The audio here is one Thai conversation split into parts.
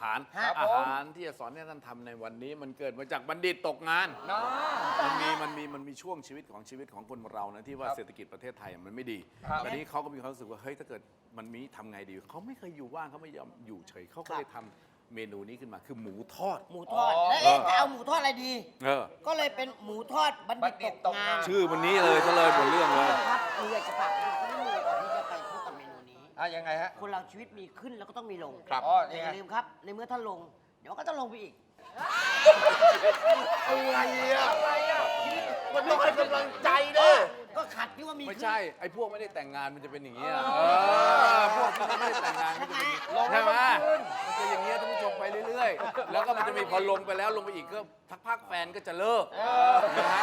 ารครับอาหารที่จะสอนให้ท่านทำในวันนี้มันเกิดมาจากบัณฑิตตกงาน มันมีช่วงชีวิตของคนเรานะที่ว่าครับเศรษฐกิจประเทศไทยมันไม่ดีครับตอนนี้เขาก็มีความรู้สึกว่าเฮ้ยถ้าเกิดมันมีทำไงดีเขาไม่เคยอยู่ว่างเขาไม่ยอมอยู่เฉยเขาก็เลยทำเมนูนี้ขึ้นมาคือหมูทอดหมูทอด แล้วจะเอาหมูทอดอะไรดีเออก็เลยเป็นหมูทอดบัณฑิตตกงานชื่อวันนี้เลยซะเลยหมดเรื่องเลยครับอยากจะฝากคุณผู้ชมก่อนที่จะไปพบกับเมนูนี้ยังไงฮะคนเราชีวิตมีขึ้นแล้วก็ต้องมีลงครับแต่อย่าลืมครับ ในเมื่อท่านลง เดี๋ยวก็จะลงไปอีกอะไรอ่ะมันต้องให้กำลังใจนะก็ขัดที่ว่ามีไม่ขึ้นใช่ไอ้พวกไม่ได้แต่งงานมันจะเป็นอย่างนี้ยพวกที่ไม่ได้แต่งงานมันจะเป็นอย่างนี้ลงใช่ไหมขึ้นมันจะอย่างเงี้ยท่านผู้ชมไปเรื่อยๆ แล้วก็มันจะมีพอลงไปแล้วลงไปอีกก็พักๆแฟนก็จะเลิกนะฮะ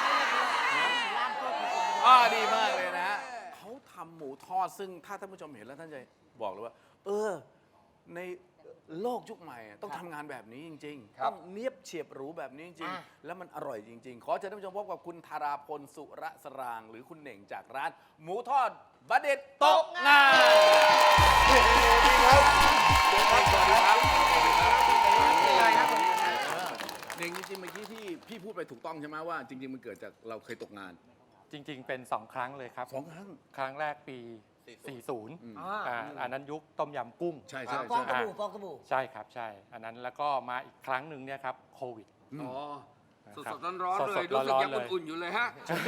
ดีมากเลยนะฮะเขาทำหมูทอดซึ่งถ้าท่านผู้ชมเห็นแล้วท่านจะบอกเลยว่า ในโลกยุคใหม่อะต้องทำงานแบบนี้จริงๆครับต้องเนียบเฉียบหรูแบบนี้จริงอ่ะๆ แล้วมันอร่อยจริง ๆ ขอเชิญท่านผู้ชมพบกับคุณธาราพลสุระสราง หรือคุณเหน่งจากร้าน หมูทอดบัณฑิตตกงานสวัสดีครับเหน่งจริงๆเมื่อกี้ที่พี่พูดไปถูกต้องใช่ไหมว่าจริง ๆ มันเกิดจากเราเคยตกงานจริงๆ เป็น 2 ครั้งเลยครับ 2 ครั้งครั้งแรกปี 40อันนั้นยุคต้มยำกุ้งใช่ใช่ฟองใช่สบู่ฟองสบู่ใช่ครับ ใช่ อันนั้นแล้วก็มาอีกครั้งหนึ่งเนี่ยครับโควิดอ๋อนะคสบดๆร้อนๆเลยสดๆรู้สึกร้อนๆยังเลยอุ่นๆอยู่เลยฮะ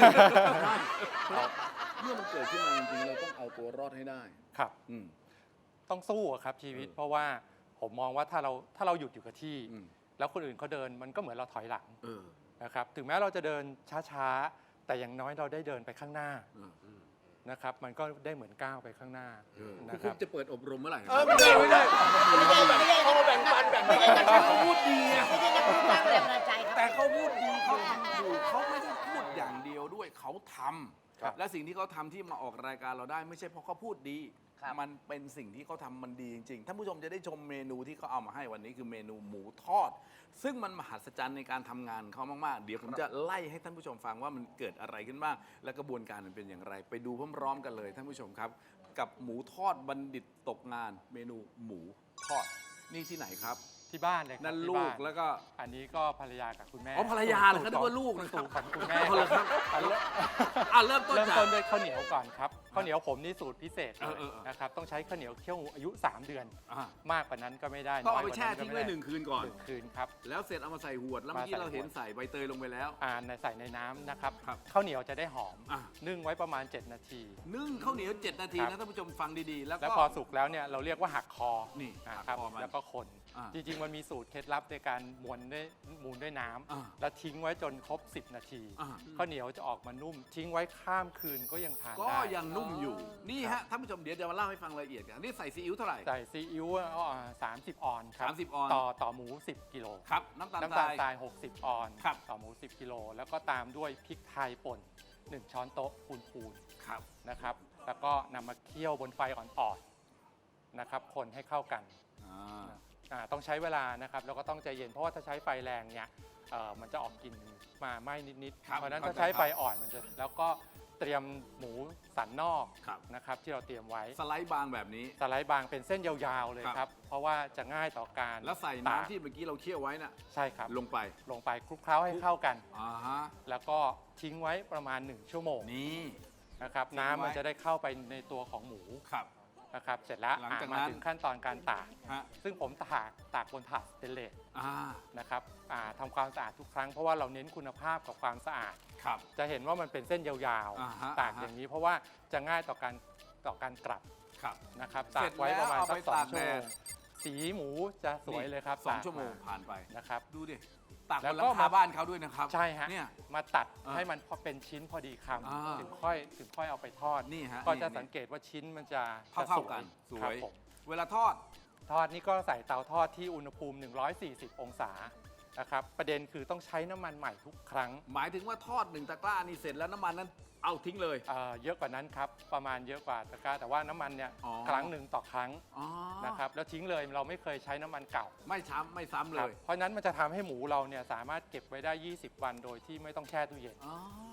เมื่อมันเกิดขึ้นมาจริงๆเราต้องเอาตัวรอดให้ได้ครับอืมต้องสู้อะครับชีวิต เพราะว่าผมมองว่าถ้าเราหยุดอยู่กับที่อืมแล้วคนอื่นเขาเดินมันก็เหมือนเราถอยหลังเออนะครับถึงแม้เราจะเดินช้าๆ แต่อย่างน้อยเราได้เดินไปข้างหน้าเออนะครับ มันก็ได้เหมือนก้าวไปข้างหน้านะคคุรัณบจะเปิดอบรมเมื่อไหร่ไม่ได้เขามาแบ่งปันแบ่งปันเขาพูดดีอะไม่ใช่นักพูดสร้างแรงบันดาลใจครับแต่เขาพูดดีเขาทำถูกเขาไม่ได้พูดอย่างเดียวด้วยเขาทครับำและสิ่งที่เขาทำที่มาออกรายการเราได้ ไม่ใช่เพราะเขาพูดดีครับมันเป็นสิ่งที่เขาทำมันดีจริงๆท่านผู้ชมจะได้ชมเมนูที่เขาเอามาให้วันนี้คือเมนูหมูทอด ซึ่งมันมหัศจรรย์ในการทำงานเขามากๆ เดี๋ยวผมจะไล่ให้ท่านผู้ชมฟังว่ามันเกิดอะไรขึ้นบ้างและกระบวนการมันเป็นอย่างไร ไปดูพร้อมๆกันเลยท่านผู้ชมครับ กับหมูทอดบัณฑิตตกงาน เมนูหมูทอดนี่ที่ไหนครับที่บ้านเลยครับนั่นที่ลูบ้ากแล้วก็อันนี้ก็ภรรยากับคุณแม่อ๋อภรรยาเหรอครับนึกว่าลูกนะครับสูตรของคุณแม่เอาเลยครับ เริ่มต้นเริ่มจากต้นด้วยข้าวเหนียวก่อนครับข้าวเหนียวผมนี่สูตรพิเศษเลยเออนะครับต้องใช้ข้าวเหนียวเคี่ยวงูอายุ 3 เดือนอ่ะมากกว่านั้นก็ไม่ได้ต้องเอาน้ไปยกว่าแช่นั้นทิ้งก็ไว้ม่ด้ 1 คืนก่อน 1 คืนครับแล้วเสร็จเอามาใส่หวด แล้วเมื่อกี้มาใส่เราเห็นขวดใส่ใบเตยลงไปแล้วใส่ในน้ำนะครับครับข้าวเหนียวจะได้หอมอ่ะนึ่งไว้ประมาณ 7 นาทีนึ่งข้าวเหนียว 7 นาทีครันะบท่านผู้ชมฟังดีๆ แล้วแล้วก็พอสุกแล้วเนี่ยเราเรียกว่าหักคอนี่อ่าหักครับคอมันแล้วก็คนอ่าจริงๆมันมีสูตรเคล็ดลับในการมูนด้วยน้ำอ่าแล้วทิ้งไว้จนครบ 10 นาทีอ่าข้าวเหนียวจะออกมานุ่ม ทิ้งไว้ข้ามคืนก็ยังทานก็ได้ยังนุ่มอยู่ นี่ฮะท่านผู้ชมเดี๋ยวจะมาเล่าให้ฟังรายละเอียดกันนี่ใส่ซีอิ๊วเท่าไหร่ใส่ซีอิ๊ว30 ออนครับ 30ออนต่อหมู 10 กิโลครับน้ำตาลน้ำทตาลรายทราย 60 ออนครับต่อหมู 10 กิโล แล้วก็ตามด้วยพริกไทยป่น 1 ช้อนโต๊ะพูนครับๆนะครับ แล้วก็นำมาเคี่ยวบนไฟอ่อนๆนะครับ คนให้เข้ากัน ต้องใช้เวลานะครับ แล้วก็ต้องใจเย็น เพราะว่าถ้าใช้ไฟแรงเนี่ยมันจะออกกลิ่นมาไหม้นิดๆครับเพราะฉะนั้นเข้าถ้าใจใช้ไฟอ่อนมันจะ แล้วก็เตรียมหมูสันนอกครับนะครับที่เราเตรียมไว้สไลด์บางแบบนี้สไลด์บางเป็นเส้นยาวๆเลยครับครับ เพราะว่าจะง่ายต่อการแล้วใส่ตากน้ำที่เมื่อกี้เราเคี่ยวไว้น่ะใช่ครับลงไปลงไปคลุกเคล้าให้เข้ากันอ่าฮะแล้วก็ทิ้งไว้ประมาณ 1 ชั่วโมงนี่นะครับทิ้งไว้น้ำมันจะได้เข้าไปในตัวของหมูครับนะครับ เสร็จแล้วหลังจากมานั้นถึงขั้นตอนการตากฮะซึ่งผมตากบนถาดสเตนเลสอ่านะครับทำความสะอาดทุกครั้งเพราะว่าเราเน้นคุณภาพกับความสะอาดครับจะเห็นว่ามันเป็นเส้นยาวอ่าฮะๆ ตากอย่างนี้เพราะว่าจะง่ายต่อการกลับครับนะครับเสร็ตาจกไว้ประมาณแล้วเอาสัไปก2 ตากชั่วโมแดงดสีหมูจะสวยเลยครับสองตากชั่วโมงผ่านไปนะครับดูดิตากบแล้วนก็หลังคาบ้านเขาด้วยนะครับใช่ฮะเนี่ยมาตัดอ่าให้มันพอเป็นชิ้นพอดีคอ่าำถึงค่อยเอาไปทอดนี่ฮะก็จะนี่สังเกตว่าชิ้นมันจะเท่าๆกันสครัวบยผมเวลาทอดทอดนี่ก็ใส่เตาทอดที่อุณหภูมิ 140 องศานะครับประเด็นคือต้องใช้น้ำมันใหม่ทุกครั้งหมายถึงว่าทอด1 ตะกร้านี่เสร็จแล้วน้ำมันนั้นเอาทิ้งเลยเยอะกว่านั้นครับประมาณเยอะกว่าตะกร้าแต่ว่าน้ำมันเนี่ยอ๋อครั้งหนึ่งต่อครั้งอ๋อนะครับแล้วทิ้งเลยเราไม่เคยใช้น้ำมันเก่าไม่ซ้ำเลครับยเพราะฉะนั้นมันจะทำให้หมูเราเนี่ยสามารถเก็บไว้ได้ 20 วันโดยที่ไม่ต้องแช่ตู้เย็นอ๋อ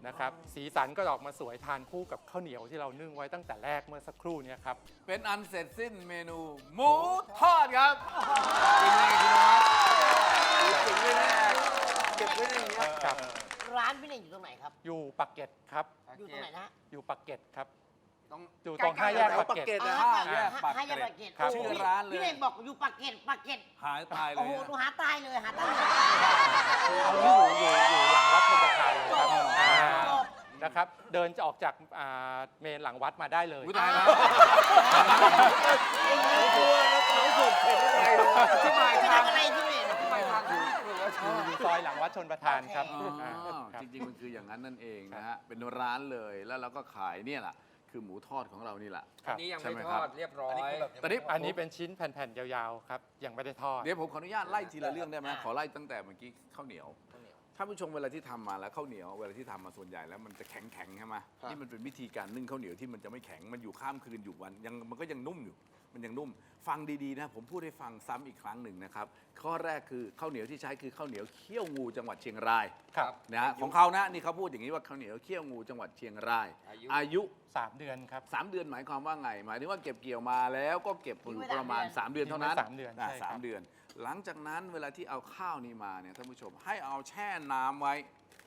นะครับสีสันก็ออกมาสวยทานคู่กับข้าวเหนียวที่เรานึ่งไว้ตั้งแต่แรกเมื่อสักครู่เนี้ครับเป็นอันเสร็จสิ้นเมนูหมูทอดครับเป็นไงคุณนวัดเก็บไว้แน่เก็บไว้ในอย่างเงี้ยครับร้านพี่เน่งอยู่ตรงไหนครับอยู่ปากเกร็ดครับอยู่ตรงไหนนะอยู่ปากเกร็ดครับต้องอยู่ตรงห้าแยกปากเกร็ดนะห้าแยกปากเกร็ดห้าแยกปากเกร็ดครับชื่อร้านเลยพี่เน่งบอกอยู่ปากเกร็ดปากเกร็ดหายตายเลโอ้ยโหนะหนูหาตายเลยหาตายเลยเอาที่อยู่หลังวัดชนประทานเลยครับจบอ่าจบนะครับเดินจะออกจากเมนหลังวัดมาได้เลยอุ๊ยตายแล้วเขาส่งเข็นอะไรเลยที่หมายไปทางทำอะไรพี่เน่งไปทางอยู่ซอยหลังวัดชนประทานครับโอเคครับจริงๆมันคืออย่างนั้นนั่นเองนะฮะเป็นร้านเลยแล้วเราก็ขายเนี่ยแหละคือหมูทอดของเรานี่แหละครับนี่ยังใช่ไม่ไหมทครับอดเรียบร้อยตอนนี้อันนี้เป็นชิ้นแผ่นๆยาวๆครับยังไม่ได้ทอดเดี๋ยวผมขออนุญาตไล่ทีละเรื่องได้ไหมขอไล่ตั้งแต่เมื่อกี้ข้าวเหนียวท่านผู้ชมเวลาที่ทำมาแล้วข้าวเหนียวเวลาที่ทำมาส่วนใหญ่แล้วมันจะแข็งๆใช่ไหมนี่มันเป็นวิธีการนึ่งข้าวเหนียวที่มันจะไม่แข็งมันอยู่ข้ามคืนอยู่วันยังมันก็ยังนุ่มอยู่มันยังนุ่ม ฟังดีๆนะผมพูดให้ฟังซ้ำอีกครั้งหนึ่งนะครับข้อแรกคือข้าวเหนียวที่ใช้คือข้าวเหนียวเขี้ยวงูจังหวัดเชียงรายครับนะฮะของเขานะนี่เขาพูดอย่างนี้ว่าข้าวเหนียวเขี้ยวงูจังหวัดเชียงราย อายุ 3 เดือนครับ 3 เดือนหมายความว่าไง หมายถึงว่าเก็บเกี่ยวมาแล้วก็เก็บอยู่ประมาณ 3 เดือนเท่านั้นทิ้งไว้3 เดือนใช่ครับ 3 เดือน หลังจากนั้นเวลาที่เอาข้าวนี้มาเนี่ยท่านผู้ชมให้เอาแช่น้ำไว้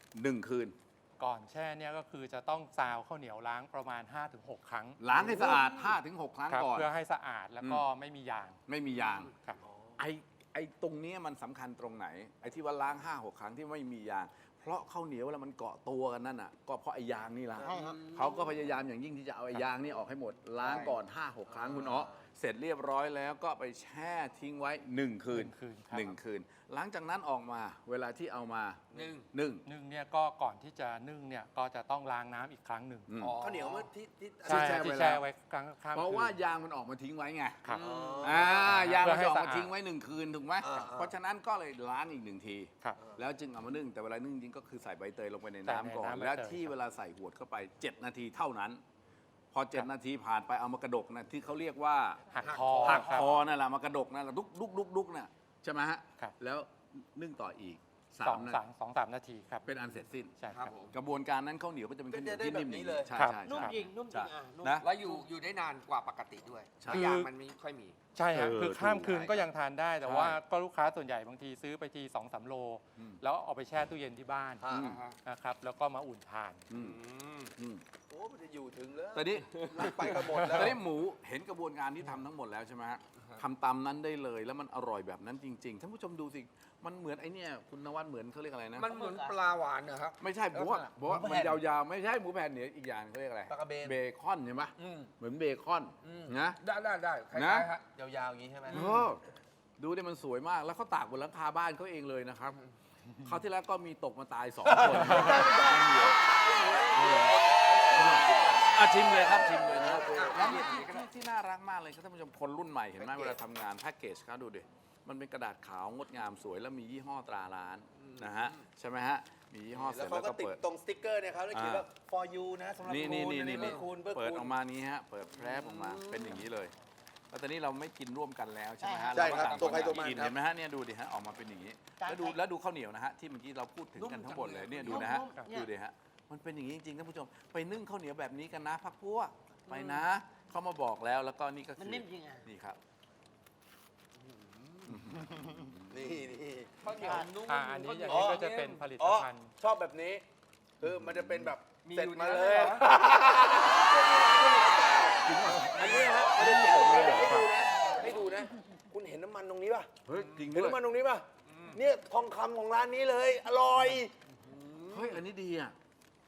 1 คืนก่อนแช่เนี่ยก็คือจะต้องซาวข้าวเหนียวล้างประมาณ 5-6 ครั้งล้างให้สะอาด 5-6 ครั้งครับก่อนเพื่อให้สะอาดแล้วก็ไม่มียางไม่มียางครับไอ้ตรงเนี้ยมันสำคัญตรงไหน ไอ้ที่ว่าล้าง 5-6 ครั้งที่ไม่มียาง เพราะข้าวเหนียวเวลามันเกาะตัวกันนั่นน่ะก็เพราะไอ้ยางนี่แหละใช่ครับเขาก็พยายามอย่างยิ่งที่จะเอาไอ้ยางนี่ออกให้หมด ล้างก่อน 5-6 ครั้งคุณอ๋อเสร็จเรียบร้อยแล้วก็ไปแช่ทิ้งไว้ 1 คืน 1 คืนครับ 1 คืน หลังจากนั้นออกมาเวลาที่เอามานึ่งนึ่งนึ่งเนี่ยก็ก่อนที่จะนึ่งเนี่ยก็จะต้องล้างน้ำอีกครั้งหนึ่งอืมอ๋อข้าวเหนียวเมื่อที่ใช่แช่ที่ไว้แช่แล้วไว้กลางข้ามเพราะคืนว่ายางมันออกมาทิ้งไว้ไงครับยางเพื่มัอน ให้จะออกสะอามาดทิ้งไว้ 1 คืนถูกไหมเพราะฉะนั้นก็เลยล้างอีก 1 ทีครับแล้วจึงเอามานึ่งแต่เวลานึ่งจริงก็คือใส่ใบเตยลงไปในใส่ในน้ำก่อนน้ำใบเตยและที่เวลาใส่หวดเข้าไป 7 นาทีเท่านั้น พอ 7 นาทีผ่านไปเอามากระดกนะที่เขาเรียกว่าหักคอหักครับคอนั่นแหละมากระดกนั่นแหละดุกน่ะใช่ไหมฮะครับแล้วนึ่งต่ออีกสอง 3 นาสาทีมสองสามนาทีครับเป็นอันเสร็จสิ้นใช่คครัรับบ ผมกระบวนการนั้นข้าวเหนียวก็จะเป็นข้าวเหนียวที่นิ่มเป็นแบบนี้เลยใช่ครับใช่นุ่มใช่จริงนุ่มจริงนุ่มนะแล้วอยู่ได้นานกว่าปกติด้วยใช่เพราะยางมันไม่ค่อยมีใช่ฮะเออคือข้ามคืนถูกก็ยังทานได้ แต่ใช่ว่าก็ลูกค้าส่วนใหญ่บางทีซื้อไปที2-3 โลอืมแล้วเอาไปแช่ตู้เย็นที่บ้านอ่านะครับแล้วก็มาอุ่นทานอืมอืมโอ้มันจะอยู่ถึงแล้วตอนนี้ไปกันหมดแล้วตอนนี้หมูเห็นกระบวนการที่ทำทั้งหมดแล้วใช่ไหมฮะทำตามนั้นได้เลยแล้วมันอร่อยแบบนั้นจริงๆท่านผู้ชมดูสิมันเหมือนไอ้เนี่ยคุณนวัดเหมือนเขาเรียกอะไรนะมันเหมือนปลาหวานนะครับไม่ใช่ผมว่าผมว่าหมูมัแผ่นนยาวๆไม่ใช่หมูแผ่นเนี่ยอีกอย่างเขาเรียกอะไรปลากระเบนเบคอนใช่ไหมอืมเหมือนเบคอนอืมนะได้คล้านะยๆฮะยาวๆอย่างนี้ใช่ไหมเออดูดิมันสวยมากแล้วเขาตากบนหลังคาบ้านเขาเองเลยนะครับคราวที่แล้วก็มีตกมาตาย2 คนชิมเลยครับชิมเลยนะครับแล้วนี่ที่น่ารักมากเลยครับท่านผู้ชมคนรุ่นใหม่เห็นไหมเวลาทำงานแพ็กเกจเขาดูดิมันเป็นกระดาษขาวงดงามสวยแล้วมียี่ห้อตราร้านนะฮะใช่ไหมฮะมียี่ห้อเสแล้ร็วจเขาแล้วก็ก็ติดเปิดตรงสติ๊กเกอร์เนี่ยครับแล้วเขียนว่า for you นะสำหรับนี่คุณนี่อันี่เพื่อคุณเพื่อเปิดคุณออกมานี้ฮะเปิดแพรบออกมาเป็นอย่างนี้เลยแล้วตอนนี้เราไม่กินร่วมกันแล้วใช่ไหมฮะใช่ครับเาก็ตัวใครตัวมันกินครับเห็นไหมฮะเนี่ยดูดิฮะออกมาเป็นอย่างนี้ แล้วดูข้าวเหนียวนะฮะที่เมื่อกี้เราพูดถึงกันทั้งหมดเลยเนี่ยดูนะฮะดูดิฮะมันเป็นอย่างนี้จริงๆท่านผู้ชมไปนึ่งข้าวเหนียวแบบนี้กันนะพักพวกไปนะเขามาบอกแล้วแล้วก็นี่ก็มันคือนิ่มจริงอ่ะนี่ครับนี่นี่ข้าวเหนียวนุ่มอันนี้อย่างอ๋อนี้ก็จะเป็นผลิตอ๋อภัณฑ์ชอบแบบนี้คือมันจะเป็นแบบมีเสร็จอยู่มาในเลนั้นยเหรออันนี้ฮะมันจะเขียนให้ดูนะให้ดูนะ คุณเห็นน้ำมันตรงนี้ป่ะเฮ้ยจริงเห็นด้วยน้ำมันตรงนี้ป่ะเนี่ยทองคำของร้านนี้เลย อร่อยเฮ้ยอันนี้ดีอ่ะ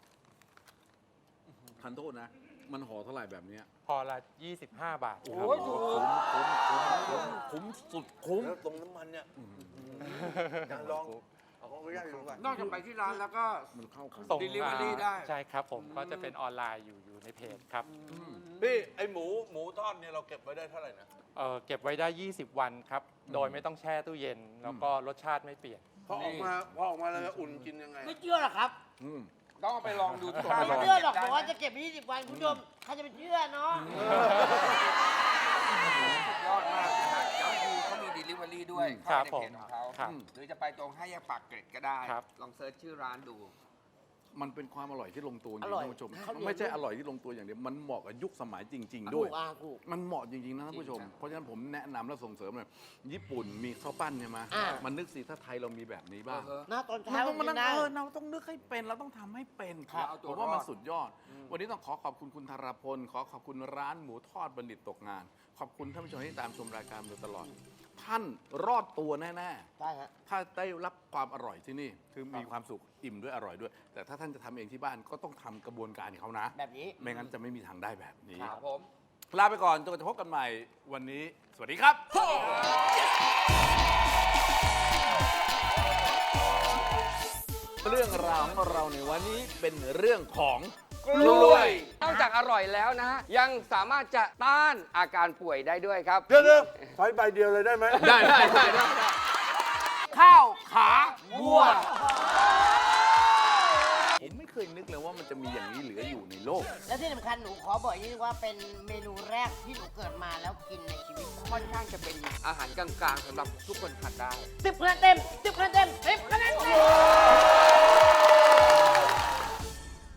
ทันโทษนะ มันห่อเท่าไหร่แบบเนี้ยพอละ25 บาทครับโอ้ยถูกคุ้มสุดคุ้มแล้วตรงน้ำมันเนี่ยอยากลองเอาของไม่ได้ดูก่อนนอกจากไปที่ร้านแล้วก็มันเข้ากันส่ง Delivery ได้ใช่ครับผมก็จะเป็นออนไลน์อยู่ในเพจครับพี่ไอหมูทอดเนี่ยเราเก็บไว้ได้เท่าไหร่นะเก็บไว้ได้ 20 วันครับ โดยไม่ต้องแช่ตู้เย็น แล้วก็รสชาติไม่เปลี่ยนพอออกมาแล้วอุ่นกินยังไงไม่เชื่อหรอกครับอืมต้องเอาไปลองดูที่ต้องไม่ไปลงเชื่อหรอกบอกว่าจะเก็บไป20 วันคุณผู้ชมใครจะไปเชื่อเนาะสุดยอดมากนะฮะย้ำคือเขามี Delivery ด้วยครัเข้าบในเพจของเขาครับหรือจะไปตรง5 แยกปากเกร็ดก็ได้ครับลองเซิร์ชชื่อร้านดูมันเป็นความอร่อยที่ลงตัวจริงอร่อยท่านผู้ชมข้าวเหนียวไม่ใช่อร่อยที่ลงตัวอย่างเดียวมันเหมาะกับยุคสมัยจริง ๆถูด้วยกถูกมันเหมาะจริงๆนะท่านผู้ชม เพราะฉะนั้นผมแนะนำและส่งเสริมเลยญี่ปุ่นมีข้าวปั้นใช่ไหมอ่ามันนึกสิถ้าไทยเรามีแบบนี้บ้างหน้าตอนมันเช้าต้องมานั่งได้เราต้องนึกให้เป็นเราต้องทำให้เป็นครับเอาตัวผมว่ามันรอดสุดยอด วันนี้ต้องขอบคุณคุณธารพลขอบคุณร้านหมูทอดบัณฑิตตกงาน ขอบคุณท่านผู้ชมที่ตามชมรายการมาโดยตลอด ท่านรอดตัวแน่ได้ฮะๆถ้าได้รับความอร่อยที่นี่คือมีความสุขอิ่มด้วยอร่อยด้วย แต่ถ้าท่านจะทำเองที่บ้านก็ต้องทำกระบวนการของเขานะแบบนี้ไม่งั้นจะไม่มีทางได้แบบนี้ครับผมลาไปก่อนจนกว่าจะพบกันใหม่วันนี้ สวัสดีครับ เรื่องราวของเราในวันนี้เป็นเรื่องของกล้วยนอกจากอร่อยแล้วนะฮะ ยังสามารถจะต้านอาการป่วยได้ด้วยครับเดี๋ยวใช้ใบเดียวเลยได้ไหมได้ข้าวขาวัวผมไม่เคยนึกเลยว่ามันจะมีอย่างนี้เหลืออยู่ในโลกและที่สำคัญหนูขอบอกอย่างนี้ว่าเป็นเมนูแรกที่หนูเกิดมาแล้วกินในชีวิตค่อนข้างจะเป็นอาหารกลางๆสำหรับทุกคนทานได้ 10 คะแนนเต็ม 10 คะแนนเต็ม 10 คะแนนเต็ม